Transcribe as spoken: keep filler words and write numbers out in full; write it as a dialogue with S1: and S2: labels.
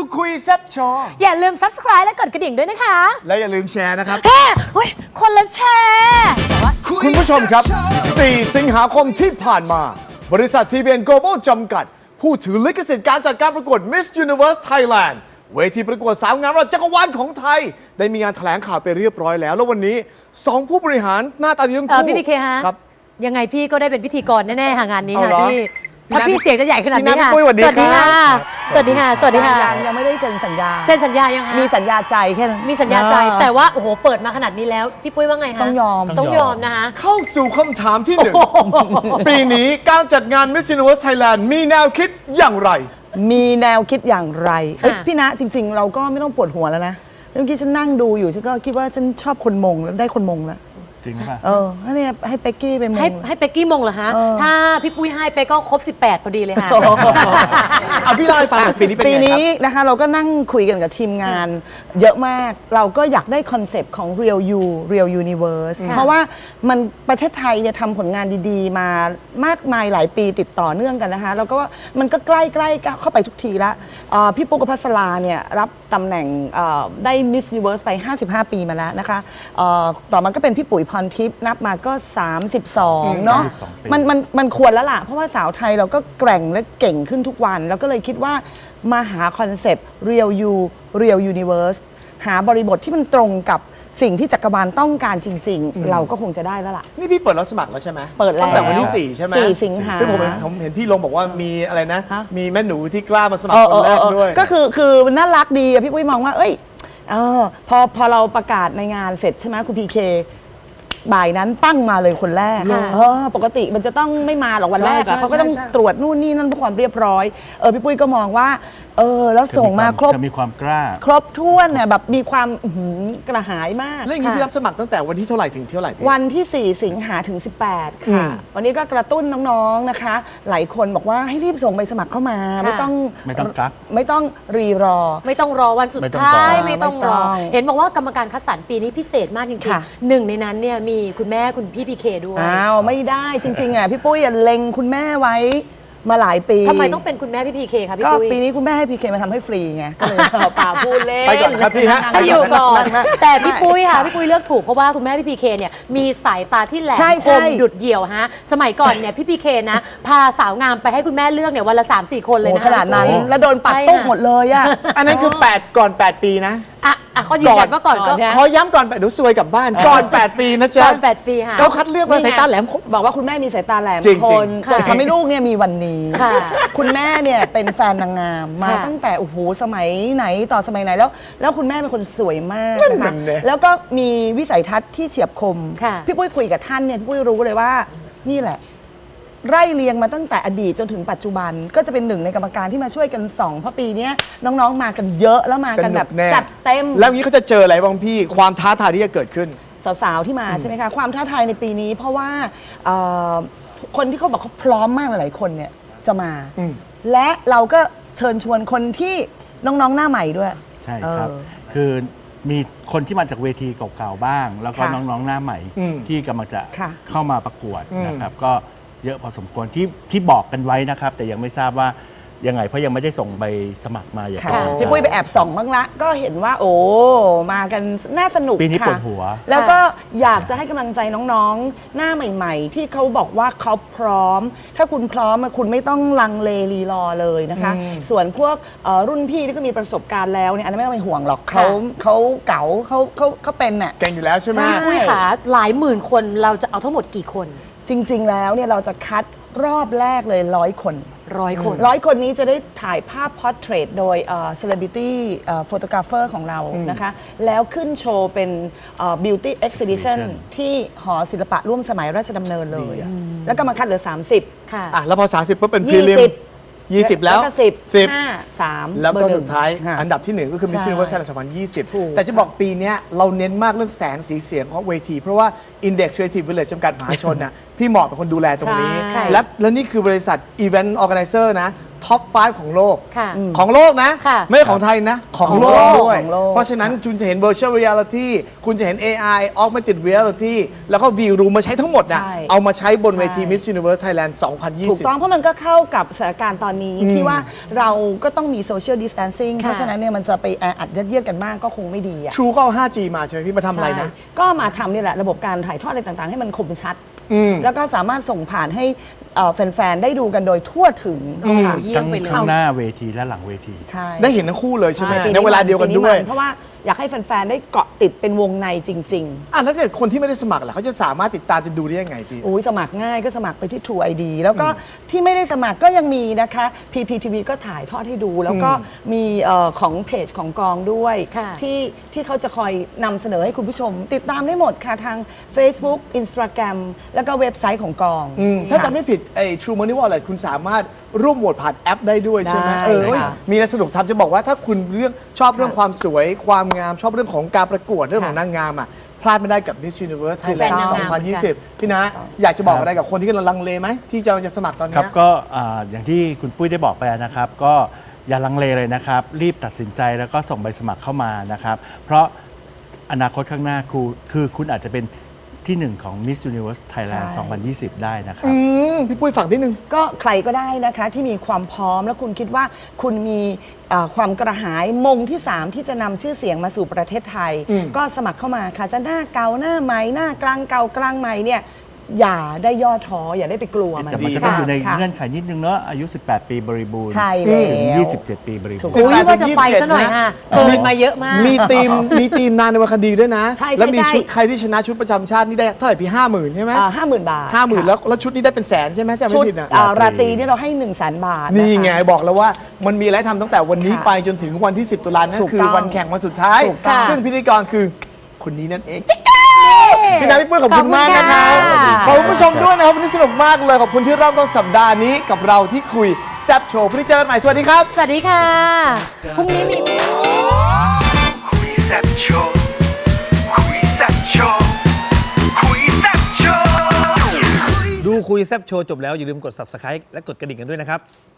S1: คุยแซ่บโชว์
S2: อย่าลืม ซับสไครบ์ และกดกระดิ่งด้วยนะคะ
S1: และอย่าลืมแชร์นะครับ
S2: เฮ้ยคนละแชร์แต่ว่า
S1: คุณผู้ชมครับ สี่ สิงหาคมที่ผ่านมา บริษัท ที บี เอ็น Global จำกัด ผู้ถือลิขสิทธิ์การจัดการประกวด Miss Universe Thailand เวทีประกวดสาวงามระดับจักรวาลของไทย ได้มีงานแถลงข่าวไปเรียบร้อยแล้ว แล้ววันนี้สองผู้บริหารหน้าตาดีทั้งคู่
S2: พี่พีเคฮะ
S1: ครับ
S2: ยังไงพี่ก็ได้เป็นพิธีกรแน่ๆค่ะงานนี้
S1: เอา
S2: ค่ะ
S1: เหรอ
S2: พี่ถ้าพี่เสียงจะใหญ่ขนาดนี้ค่ะ
S1: พี่นัทพี่ปุ้ยสวัสดี
S2: สวัสดี
S1: ครั
S2: ค่ะ
S1: บ
S2: สวัสดีค่ะสวัสดีค่ะ
S3: ยังยังไม่ได้เซ็นสัญญา
S2: เซ็นสัญญายังคะ
S3: มีสัญญาใจแค่นั้น
S2: มีสัญญาใจแต่ว่าโอ้โหเปิดมาขนาดนี้แล้วพี่ปุ้ยว่าไงคะ
S3: ต้องยอม
S2: ต้องยอมนะคะ
S1: เข้าสู่คำถามที่หนึ่งปีนี้การจัดงาน Miss Universe Thailand มีแนวคิดอย่างไร
S3: มีแนวคิดอย่างไรเอ้ย
S2: ค่ะ
S3: พี่ณจริง ๆ เราก็ไม่ต้องปวดหัวแล้วนะเมื่อกี้ฉันนั่งดูอยู่ฉันก็คิดว่าฉันชอบคนมงแล้วได้คนมงแล้ว
S4: จริงป่ะ
S3: เออให้เนี่ยให้เป็กกี้ไปมง
S2: ให้ให้เป็กกี้มงเหรอฮะ
S3: เออ
S2: ถ้าพี่ปุ้ยให้เป็กก็ครบสิบแปดพอดีเลยค่ะ
S1: เอาพี่เล่าให้ฟังหน่อยปีนี้เป็น
S3: ปี
S1: ไงค
S3: นี้
S1: รับ
S3: นะคะเราก็นั่งคุยกันกับทีมงาน เยอะมาก เราก็อยากได้คอนเซปต์ของ Real You Real Universe
S2: ค่ะ
S3: เพราะว่ามันประเทศไทยเนี่ยทำผลงานดีๆ มามากมายหลายปีติดต่อเนื่องกันนะคะแล้วก็มันก็ใกล้ๆเข้าไปทุกทีละเอ่อพี่ปุ๊กกับพัสราเนี่ยรับตำแหน่งเอ่อได้ Miss Universe ไป ห้าสิบห้า ปีมาแล้วนะคะเอ่อต่อมาก็เป็นพี่ปุ๋ยพรทิพย์นับมาก็ สามสิบสอง เนาะ
S4: สามสิบสองปี
S3: มันมันมันควรแล้วล่ะ เพราะว่าสาวไทยเราก็แกร่งและเก่งขึ้นทุกวัน แล้วก็เลยคิดว่ามาหาคอนเซปต์ Real You Real Universe หาบริบทที่มันตรงกับสิ่งที่จักรวาลต้องการจริง ๆ เราก็คงจะได้แล้วล่ะ
S1: นี่พี่เปิดรับสมัครแล้วใช่ไหม
S3: เปิดแล้ว
S1: ตั้งแต่วันที่สี่ใช่ไหม
S3: สี่สิงหา
S1: ซึ่งผมเห็นผมเห็นพี่ลงบอกว่ามีอะไรนะ
S3: ฮะ
S1: มีแม่หนูที่กล้ามาสมัค
S3: เอ
S1: ร
S3: อ
S1: คนแรก
S3: เออเออ
S1: ด้วย
S3: ก็คือคือมันน่ารักดีอะพี่ปุ้ยมองว่า เอ้ยเออพอพอเราประกาศในงานเสร็จใช่ไหมคุณพีเคบ่ายนั้นปั้งมาเลยคนแรก
S2: ค่ะ
S3: เออปกติมันจะต้องไม่มาหรอกวันแรก
S1: ใช่
S3: อะเขาก็ต้อง
S1: ใช่ใช่
S3: ตรวจนู่นนี่นั่นเพื่อความเรียบร้อยเออพี่ปุ้ยก็มองว่าเออแล้วส่งมาครบ
S4: จะมีความกล้า
S3: ครบถ้วนเนี่ยแบบมีความอื้อหือกระหายมาก
S1: แล้วอย่างนี้
S2: ค่ะ
S1: พี่รับสมัครตั้งแต่วันที่เท่าไหร่ถึงเท่าไหร่พี่
S3: วันที่ สี่ สิงหาถึง สิบแปด
S1: อื
S3: ค่ะ
S1: ม
S3: วันนี้ก็กระตุ้นน้องๆนะคะ หลายคนบอกว่าให้รีบส่งใบสมัครเข้ามา
S2: ค่ะ
S3: ไม่ต้อง
S4: ไม่ต้องกัก
S3: ไม่ต้องรีรอ
S2: ไม่ต้องรอวันสุด
S4: ไม่ต้อง
S2: ท้าย
S4: รอ
S2: ไม่ต้องรอ
S3: ไม่ต้อง
S2: เห็นบอกว่ากรรมการคัดสรรปีนี้พิเศษมากจริง
S3: ค่ะ
S2: ๆหนึ่งในนั้นเนี่ยมีคุณแม่คุณพี่พีเคด้วย
S3: อ้าวไม่ได้จริงๆอ่ะพี่ปุ้ยอ่ะเล็งคุณแม่ไว้มาหลายปี
S2: ทำไมต้องเป็นคุณแม่พี่พีเคคะพี่
S3: ก็
S2: ปุ้ย
S3: ปีนี้คุณแม่ให้พีเคมาทำให้ฟรีไงก็เลยเอาป่าพูดเล่น
S1: ไปก่อนครับพี่ฮะ
S2: ให้อยู่ก่อน
S3: นั่งๆ
S2: แต่พี่ปุ้ยค่ะพี่ปุ้ยเลือกถูกเพราะว่าคุณแม่พี่พีเคเนี่ยมีสายตาที่แหลม
S3: ใช่
S2: ค
S3: ใช่
S2: มดุดเหี่ยวฮะสมัยก่อนเนี่ยพี่พีเคนะพาสาวงามไปให้คุณแม่เลือกเนี่ยวันละ สามสี่ คนเลย
S3: โอ้
S2: นะ
S3: ขนาดนั้น
S2: พี่ปุ้ย
S3: แล้วโดนปัด
S2: ใช่
S3: ตุ๊ก
S2: ค่ะ
S3: หมดเลยอ่ะ
S1: อันนั้นคือแปดก่อนแปดปีนะ
S2: อ่ะอ่ะเขายืนยันว่าก่อนก็
S3: ก่อนเนี่ย
S1: ขอย้ำก่อนแปดเดี๋ยวซวยกลับบ้านก่อนแปดปีนะจ๊ะ
S2: ก่อนแปดปีค่ะ
S1: เขาคัดเลือกมาสายตาแหลมคม
S3: บอกว่าคุณแม่มีสายตาแหลม
S1: จริงๆ
S3: คน
S2: ค่ะ
S3: ทำให้ลูกเนี่ยมีวันนี้
S2: ค่ะ
S3: คุณแม่เนี่ยเป็นแฟนนางงามมา
S2: ค่ะ
S3: ตั้งแต่โอ้โหสมัยไหนต่อสมัยไหนแล้ว แล้วคุณแม่เป็นคนสวยมาก
S1: นั่น
S3: นะคะ
S1: มันเนี่ย
S3: แล้วก็มีวิสัยทัศน์ที่เฉียบคม
S2: ค่ะ
S3: พี่ปุ้ยคุยกับท่านเนี่ยพี่ปุ้ยรู้เลยว่านี่แหละ ไร่เรียงมาตั้งแต่อดีตจนถึงปัจจุบัน ก็จะเป็นหนึ่งในกรรมการที่มาช่วยกันส่องเพราะปีเนี้ยน้องๆมากันเยอะแล้วมากันแบบ
S1: สนุกแน่
S3: จัดเต็ม
S1: แล้วอย่างนี้เขาจะเจออะไรบ้างพี่ ความท้าทายที่จะเกิดขึ้น
S3: สาวๆ ที่มาใช่ไหมคะ ความท้าทายในปีนี้ เพราะว่าเอ่อคนที่เขาบอกเขาพร้อมมากหลายๆคนเนี่ยจะมา
S1: อืม
S3: และเราก็เชิญชวนคนที่น้องๆ หน้าใหม่ด้วย
S4: ใช่ครับ
S3: เออ
S4: คือมีคนที่มาจากเวทีเก่าๆบ้าง แล้วก็
S3: ค่ะ
S4: น้องๆหน้าใหม่
S1: อืม
S4: ที่กำลังจะ
S3: ค่ะ
S4: เข้ามาประกวด
S1: อืม
S4: นะครับ ก็เยอะพอสมควรที่ที่บอกกันไว้นะครับ แต่ยังไม่ทราบว่ายังไงเพราะยังไม่ได้ส่งใบสมัครมาอย่าง
S3: ค่ะ
S4: เป็นทาง
S3: พี่ปุ้ยไปแอบส่องบ้างละ ก็เห็นว่า โอ้ มากันน่าสนุก
S4: ปีนี้
S3: ค่ะ
S4: ปวดหัว
S3: แล้วก็อยากจะให้กำลังใจน้องๆ หน้าใหม่ ๆ ที่เขาบอกว่าเขาพร้อม ถ้าคุณพร้อมอะคุณไม่ต้องลังเลรีรอเลยนะคะ ส่วนพวกเอ่อรุ่นพี่ที่ก็มีประสบการณ์แล้วเนี่ยอันนั้นไม่ต้องไปห่วงหรอกเขาเขาเก๋าเขาเขาเขาเป็นน่ะ
S1: เก่งอยู่แล้วใช่ไหม
S3: ใช่
S2: พี่ปุ้ยขาหลายหมื่นคนเราจะเอาทั้งหมดกี่คน
S3: จริง ๆ แล้วเนี่ยเราจะคัดรอบแรกเลยร้อยคน
S2: ร้อยคน
S3: ร้อยคนนี้จะได้ถ่ายภาพพอร์เทรตโดยเซเลบริตี้โฟโตกราฟเฟอร์ของเรานะคะ แล้วขึ้นโชว์เป็นบิวตี้เอ็กซิบิชัน
S4: Exhibition
S3: ที่หอศิลปะร่วมสมัยราชดำเนินเลย แล้วก็มาคัดเหลือ สามสิบ
S2: ค่ะ
S1: อ่ะแล้วพอ สามสิบปุ๊บเป็นพรี
S3: ยี่
S1: ลิม
S3: สิบ
S1: ยี่สิบแล้ว
S3: ก็สิบ
S1: สิบ
S3: ห้าสาม
S1: แล้ว
S3: เบอ
S1: ก็
S3: ร์หนึ่
S1: สุ
S3: ง
S1: ดท้าย
S3: ค่ะ
S1: อันดับที่หนึ่งก็คือ Miss
S3: ใช่
S1: Universe Thailand สองพันยี่สิบ
S3: ถูก
S1: แต่จะบอกปีเนี้ยเราเน้นมากเรื่องแสงสีเสียงของเวที เพราะว่า Index Creative Village จำกัดมหาชนน่ะพี่เหมาะเป็นคนดูแลตรงนี้
S2: ใช่
S1: และและนี่คือบริษัท Event Organizer นะท็อปไฟว์ของโลก
S2: ค่ะ
S1: ของโลกนะ
S2: ค่ะ
S1: ไม่ใช่ของไทยนะ ของโลกด้วย
S3: ของโลก
S1: เพราะฉะนั้นคุณจะเห็น virtual reality คุณจะเห็น เอ ไอ augmented reality แล้วก็ view room มาใช้ทั้งหมดนะ
S3: ใช่
S1: เอามาใช้บนเวที
S3: ใช่
S1: Miss Universe Thailand สองพันยี่
S3: ถูก
S1: สิบ
S3: ต้องเพราะมันก็เข้ากับสถานการณ์ตอนนี้ที่ว่าเราก็ต้องมี social distancing
S2: ค่ะ
S3: เพราะฉะนั้นเนี่ยมันจะไปแออัดยัดเยียดกันมากก็คงไม่ดีอ่ะ
S1: True ก็เอา ไฟว์จี มาใช่ไหมพี่มาทำอะไรนะ
S3: ใช่ก็มาทำนี่แหละระบบการถ่ายทอดอะไรต่างๆ ให้มันคมชัด
S1: อืม
S3: แล้วก็สามารถส่งผ่านให้เอ่อแฟนๆ ได้ดูกันโดยทั่วถึงค่ะ
S2: เยี่ย
S4: ทั้
S2: ม
S4: ง
S2: ไปเลย
S4: ข้างหน้าเวทีและหลังเวที
S3: ใช่
S1: ได้เห็นทั้งคู่เลยใช่ไหม
S3: ปี
S1: ในเวลาเดียวกันด้วย
S3: ปีเพราะว่าอยากให้แฟนๆ ได้เกาะติดเป็นวงในจริง
S1: อ่ะแล้วถ้าเกิดคนที่ไม่ได้สมัครล่ะเขาจะสามารถติดตามจะดูได้ยังไงพี่
S3: ๆอุ้ยสมัครง่ายก็สมัครไปที่ True ไอ ดี แล้วก็ที่ไม่ได้สมัครก็ยังมีนะคะ พี พี ที วี ก็ถ่ายทอดให้ดู แล้วก็มีเอ่อของเพจของกองด้วย
S2: ค่ะ
S3: ที่ที่เขาจะคอยนำเสนอให้คุณผู้ชม ติดตามได้หมดค่ะทาง Facebook Instagram แล้วก็เว็บไซต์ของกอง
S1: อืมถ้าจำไม่ผิดไอ้ True Money Wallet คุณสามารถร่วมโหวตผ่านแอปได้ด้วยใช่ไหม
S3: ได้
S1: เออ
S3: ใช่ค่ะ
S1: มีอะไรสนุกทำจะบอกว่าถ้าคุณเรื่องชอบเรื่องความสวย ความงามชอบเรื่องของการประกวดเรื่องของ
S3: ค่ะ
S1: นางงามอ่ะพลาดไม่ได้กับ Miss Universe
S2: แฟน
S1: Thailand
S2: นางงาม
S1: สองพันยี่สิบ พี่นะอยากจะบอกอะไรกับคนที่กำลังลังเลไหมที่จะจะสมัครตอน
S4: ค
S1: เนี้
S4: รับ
S1: ย
S4: ก็อ่าอย่างที่คุณปุ้ยได้บอกไปนะครับ ก็อย่าลังเลเลยนะครับ รีบตัดสินใจแล้วก็ส่งใบสมัครเข้ามานะครับ เพราะอนาคตข้างหน้าครูคือคุณอาจจะเป็นที่หนึ่งของ Miss Universe Thailand
S3: ใช่
S4: สองพันยี่สิบ ได้นะครับ
S1: อืมพี่ปุ้ยฝากนิดนึง
S3: ก็ใครก็ได้นะคะที่มีความพร้อมแล้วคุณคิดว่าคุณมีเอ่อความกระหายมงที่ สาม ที่จะนำชื่อเสียงมาสู่ประเทศไทย
S1: อืม
S3: ก็สมัครเข้ามาค่ะจะหน้าเก่าหน้าใหม่หน้ากลางเก่ากลางใหม่เนี่ยอย่าได้ย่อท้ออย่าได้ไปกลัวมัน
S4: แต่มันก็ต้องอยู่ใน
S3: ค่ะ
S4: เงื่อนไขนิดนึงเนาะอายุ สิบแปด ปีบริบูรณ์
S3: ใช่แล้ว
S4: ถึง ยี่สิบเจ็ด ปีบริบูรณ์
S2: อุ๊ยว่าจะไปซะหน่อยค่ะเกินมาเยอะมาก
S1: มีทีมมีทีมนานในวันคดีด้วยนะ
S3: ใช่ใช่
S1: แล้วมี
S3: ใช่
S1: ชุดใครที่ชนะชุดประจำชาตินี่ได้เท่าไหร่พี่ห้าหมื่นใช่ไหม
S3: ห้าหมื่นบาท
S1: ห้าหมื่น
S3: ค่ะ
S1: แล้วแล้วชุดนี้ได้เป็นแสนใช่ไหมจำ
S3: ชุ
S1: ไม่
S3: ด
S1: ผิดนะ
S3: เอ่อราตรีนี่เราให้1นึ่งแสนบาท
S1: นี่ไง
S3: ะคะ
S1: บอกแล้วว่ามันมีอะไรทำตั้งแต่วันนี้
S3: ค่ะ
S1: ไปจนถึงวันที่ สิบตุลานั่น
S3: ถูก
S1: คือ
S3: ต้อง
S1: วันแข่งวันสุดท้าย
S3: ถูกต้อง
S1: ซึ่งพิธีกรคือคนนี้นั่นเองพี่นาพี่ปุ้ยขอบคุณมากนะครับ
S2: ขอบคุณค่ะ
S1: ขอบคุณผู้ชมด้วยนะครับวันนี้สนุกมากเลยขอบคุณที่เริ่มต้นสัปดาห์นี้กับเราที่คุยแซบโชว์พรุ่งนี้เจอกันใหม่สวัสดีครับ
S2: สวัสดีค่ะ พรุ่งนี้มี
S5: คุยแซ่บโชว์คุยแซ่บโชว์คุยแซ่บโชว์
S6: ดูคุยแซบโชว์จบแล้ว อย่าลืมกด ซับสไครบ์ และกดกระดิ่งกันด้วยนะครับ